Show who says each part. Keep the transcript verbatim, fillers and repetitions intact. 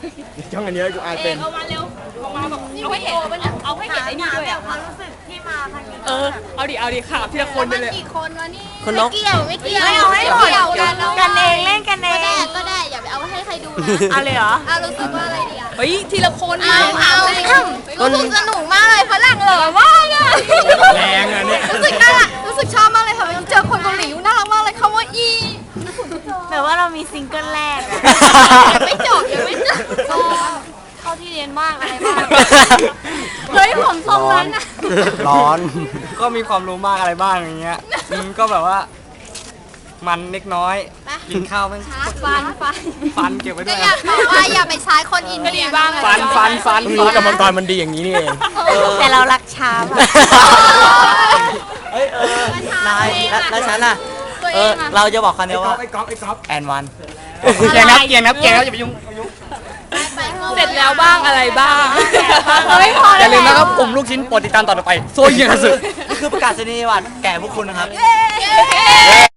Speaker 1: ช่องอันนี้กูอ่าน
Speaker 2: เอ
Speaker 1: เป็
Speaker 2: ก
Speaker 1: น
Speaker 2: เอามาเร็วเอามาแบบเอาให้เห็นเอาให้เห็นไอ้นี่ด้วยอ่ะ
Speaker 3: ความรู้สึกที่มาครั้งนี้
Speaker 2: เออเอาดิเอาดิขาทีละคนไปเลย
Speaker 3: กี่คนวะนี่
Speaker 4: คนนก
Speaker 3: ไม่เกี่ยวไม่เกี่ยว
Speaker 5: ไม่เอาให้หมด
Speaker 3: เกี่ยวกัน
Speaker 5: กันเองเล่นกันเอ
Speaker 3: ก็ได้
Speaker 5: ง
Speaker 3: ก็ได้อย่าไปเอาให้ใครดูนะ
Speaker 5: เอาเลยเหรอ
Speaker 3: เอารู้สึกว่าอะไรดีอ่ะ
Speaker 2: เฮ้ยทีละคน
Speaker 3: เอาเอารู้สึกสนุกมากเลยฝรั่งเหรอว่าเลย
Speaker 1: แรงอ่ะเนี่ย
Speaker 3: รู้สึกน่ารักรู้สึกชอบมากเลยค่ะเจอคนเกาหลีน่ารักมากเลยคำว่าอี
Speaker 5: แบบว่าเรามีซิงเกิลแรกอะ
Speaker 3: ยังไม่จบยังไม่จบเข้าที่เรียนมากอะไรมาก
Speaker 2: เฮ้ยผมทรงนั้นอ่ะ
Speaker 4: ร้อน
Speaker 6: ก็มีความรู้มากอะไรบ้างอย่างเงี้ยอืมก็แบบว่า มันเล็กน้อย กินข้าวแม่ง
Speaker 3: ฟันฟัน
Speaker 6: ฟันเก็บไว้ด้
Speaker 3: ก็
Speaker 6: วย
Speaker 3: อยากบอกว่าอย่าไปใช้คนอิน
Speaker 2: ก็
Speaker 3: เดี
Speaker 2: ดี
Speaker 3: ย
Speaker 2: บ้างอะ
Speaker 6: ฟันฟันฟัน
Speaker 1: เพิ่งรู้กรรมกรมันดีอย่างนี้นี่เอง
Speaker 5: แต่เรารักช้าอะ
Speaker 4: เฮ้ยเออนายแล้วแล้วฉันอ่ะ
Speaker 3: ตัว
Speaker 4: เอ
Speaker 3: เอ
Speaker 4: อง
Speaker 3: อ่ะ
Speaker 4: เราจะบอกคำเดียวว่า
Speaker 1: ไอ้ก๊อฟไอ้ก๊อฟ
Speaker 4: แอนวัน
Speaker 6: เกียงนับเกียงนับเกียงนับอย่าไปยุ่ง
Speaker 3: ไปเข้า
Speaker 2: เสร็จแล้วบ้างอะไรบ้าง
Speaker 5: เฮ้ยพอ
Speaker 6: อ
Speaker 5: แล้ว
Speaker 6: ย่าลืมนะครับกลุ่มลูกชิ้นโปรดติดตามต่อไปโซเยียงสึ
Speaker 4: นี่คือประกาศนียบัตรแก่พวกคุณนะครับ
Speaker 3: เย้